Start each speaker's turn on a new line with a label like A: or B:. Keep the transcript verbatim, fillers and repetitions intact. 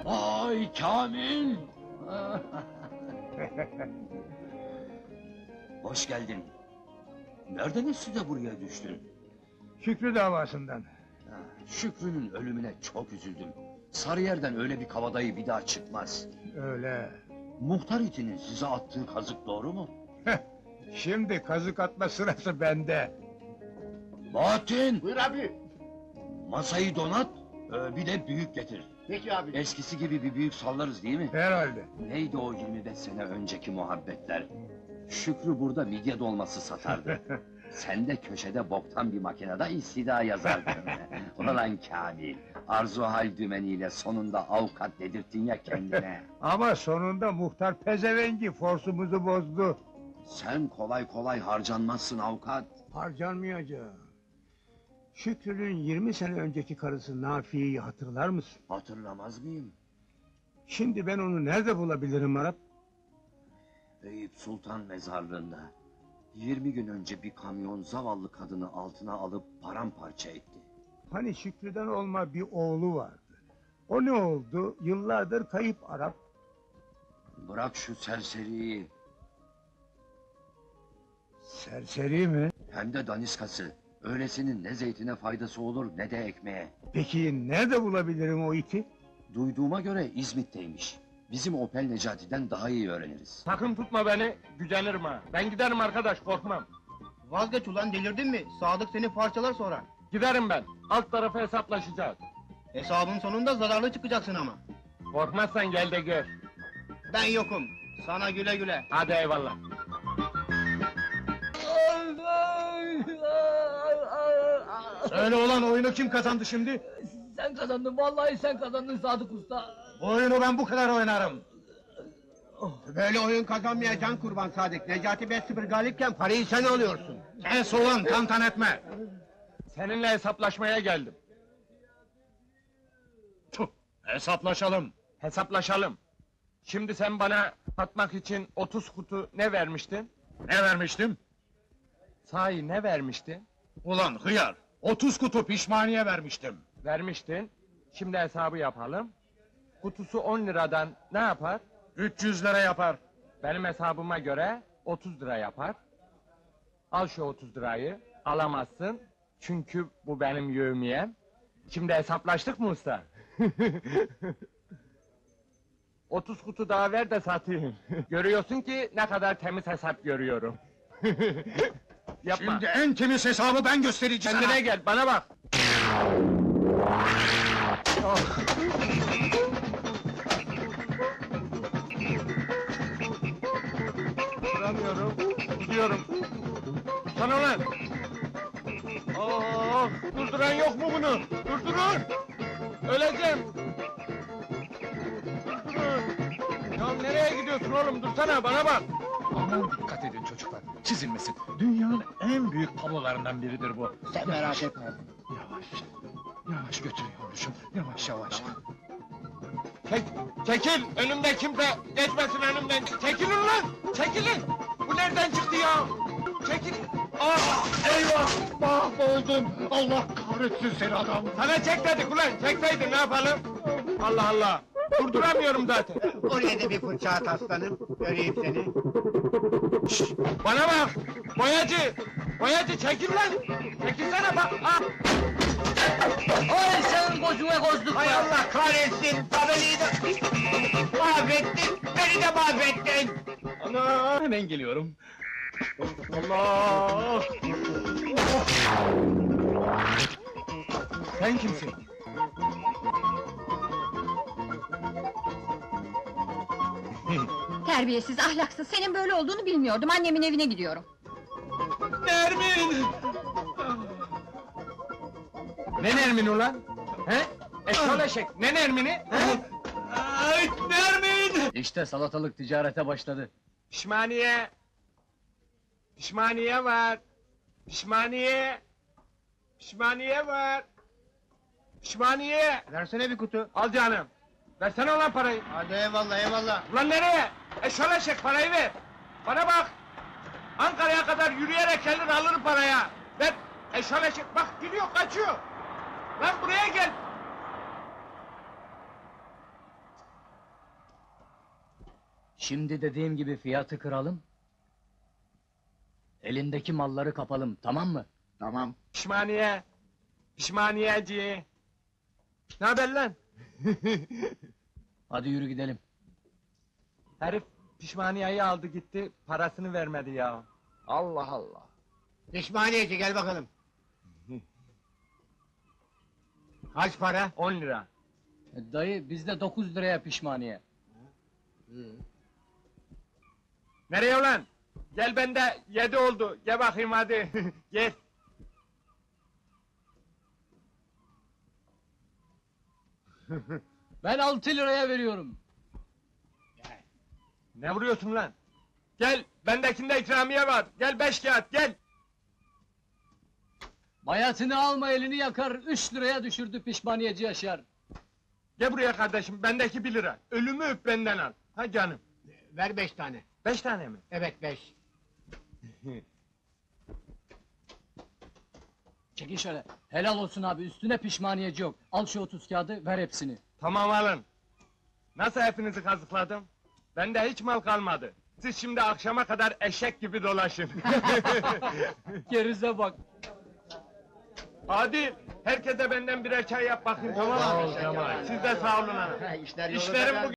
A: Ay Kamil! Hoş geldin. Nereden esti de buraya düştün?
B: Şükrü davasından.
A: Ha, Şükrü'nün ölümüne çok üzüldüm. Sarıyer'den öyle bir kabadayı bir daha çıkmaz.
B: Öyle.
A: Muhtar itinin size attığı kazık doğru mu?
B: Şimdi kazık atma sırası bende.
A: Bahattin!
C: Buyur abi.
A: Masayı donat, e, bir de büyük getir.
C: Peki abi.
A: Eskisi gibi bir büyük sallarız değil mi?
B: Herhalde.
A: Neydi o yirmi beş sene önceki muhabbetler? Şükrü burada midye dolması satardı. Sen de köşede boktan bir makinede istida yazardın. Ulan Kamil, arzu hal dümeniyle sonunda avukat dedirttin ya kendine.
B: Ama sonunda muhtar pezevengi forsumuzu bozdu.
A: Sen kolay kolay harcanmazsın avukat.
B: Harcanmayacağım. Şükrü'nün yirmi sene önceki karısı Nafiye'yi hatırlar mısın?
A: Hatırlamaz mıyım?
B: Şimdi ben onu nerede bulabilirim Arap?
A: Eyüp Sultan mezarlığında. Yirmi gün önce bir kamyon zavallı kadını altına alıp paramparça etti.
B: Hani Şükrü'den olma bir oğlu vardı. O ne oldu? Yıllardır kayıp Arap.
A: Bırak şu serseriyi,
B: Serseri mi?
A: hem de daniskası. Öylesinin ne zeytine faydası olur ne de ekmeğe.
B: Peki nerede bulabilirim o iti?
A: Duyduğuma göre İzmit'teymiş. Bizim Opel Necati'den daha iyi öğreniriz.
D: Sakın tutma beni, gücenirim ha. Ben giderim arkadaş, korkmam.
C: Vazgeç ulan, delirdin mi? Sadık seni parçalar sonra.
D: Giderim ben, alt tarafı hesaplaşacağız.
C: Hesabın sonunda zararlı çıkacaksın ama.
D: Korkmazsan gel de gör.
C: Ben yokum. Sana güle güle.
D: Hadi eyvallah.
C: Söyle ulan, oyunu kim kazandı şimdi?
E: Sen kazandın, vallahi sen kazandın Sadık Usta.
C: Oyunu ben bu kadar oynarım. Böyle oyun kazanmayacaksın kurban Sadık. Necati beş sıfır galipken parayı sen alıyorsun. Sen ulan, tantan etme.
D: Seninle hesaplaşmaya geldim.
C: Tuh, hesaplaşalım.
D: Hesaplaşalım. Şimdi sen bana satmak için otuz kutu ne vermiştin?
C: Ne vermiştim?
D: Sahi ne vermiştin?
C: Ulan hıyar, otuz kutu pişmaniye vermiştim.
D: Vermiştin. Şimdi hesabı yapalım. Kutusu on liradan ne yapar?
C: üç yüz lira yapar.
D: Benim hesabıma göre otuz lira yapar. Al şu otuz lirayı. Alamazsın. Çünkü bu benim yevmiyem. Şimdi hesaplaştık mı usta? otuz kutu daha ver de satayım. Görüyorsun ki ne kadar temiz hesap görüyorum. Yapma.
C: Şimdi en temiz hesabı ben göstereceğim.
D: Kendine gel, bana bak. Oh. Duramıyorum, gidiyorum. Sana lan! Oh, durduran yok mu bunu? Durdurun! Öleceğim! Durdurun! Ya nereye gidiyorsun oğlum? Dursana, bana bak!
F: Aman dikkat edin çocuklar, çizilmesin. Dünyanın en büyük tablolarından biridir bu.
C: Sen merak etme.
F: Yavaş, yavaş götürüyormuşum, yavaş yavaş.
D: Çek, çekil! Önümde kimse geçmesin önümden! Çekilin lan! Çekilin! Bu nereden çıktı ya? Çekil! Ah!
F: Eyvah, mahvoldum! Allah kahretsin seni adam!
D: Sana çek dedik ulan! Çekseydin ne yapalım? Allah Allah! Durduramıyorum zaten!
C: Oraya da bir fırça at aslanım. Göreyim seni.
D: Şşş! Bana bak! Boyacı! Boyacı çekil lan! Çekilsene bak! Ah!
E: Ay senin gözüne gözlük
C: Hay
E: var.
C: Allah kahretsin! Tabelayı da mahvettin! Beni de mahvettin!
D: Ana!
F: Hemen geliyorum.
D: Allah!
F: Sen kimsin?
G: Terbiyesiz, ahlaksız, senin böyle olduğunu bilmiyordum, annemin evine gidiyorum.
D: Nermin! Ne Nermin ulan? He? Eşşol eşek, ne Nermin'i? He? Ay, Nermin!
E: İşte salatalık ticarete başladı.
D: Pişmaniye! Pişmaniye var! Pişmaniye! Pişmaniye var! Pişmaniye!
C: Versene bir kutu.
D: Al canım! Versene ulan parayı!
C: Hadi eyvallah eyvallah.
D: Ulan nereye? Eşşol eşek, parayı ver! Bana bak! Ankara'ya kadar yürüyerek gelir alırım paraya! Ver! Eşşol eşek, bak gidiyor, kaçıyor! Lan buraya gel!
E: Şimdi dediğim gibi fiyatı kıralım. Elindeki malları kapalım, tamam mı?
C: Tamam.
D: Pişmaniye. Pişmaniyeci. Ne haber lan?
E: Hadi yürü gidelim.
D: Herif pişmaniyeyi aldı gitti, parasını vermedi ya. Allah Allah.
C: Pişmaniyeci gel bakalım. Kaç para?
D: On lira.
E: E, Dayı bizde dokuz liraya pişmaniye.
D: Nereye ulan? Gel bende yedi oldu. Gel bakayım hadi. Gel.
E: Ben altı liraya veriyorum.
D: Ne vuruyorsun lan? Gel, bendekinde ikramiye var. Gel beş kağıt, gel.
E: Bayatını alma elini yakar, üç liraya düşürdü pişmaniyeci Yaşar.
D: Gel buraya kardeşim, bendeki bir lira. Ölümü öp benden al. Ha canım.
C: Ver beş tane.
D: Beş tane mi?
C: Evet beş.
E: Çekin şöyle. Helal olsun abi, üstüne pişmaniyeci yok. Al şu otuz kağıdı, ver hepsini.
D: Tamam alın. Nasıl hepinizi kazıkladım? Bende hiç mal kalmadı. Siz şimdi akşama kadar eşek gibi dolaşın.
E: Gerize bak.
D: Hadi, herkese benden birer çay yap bakayım, tamam mı? Siz de sağ olun hanım.
C: İşler
D: İşlerim bu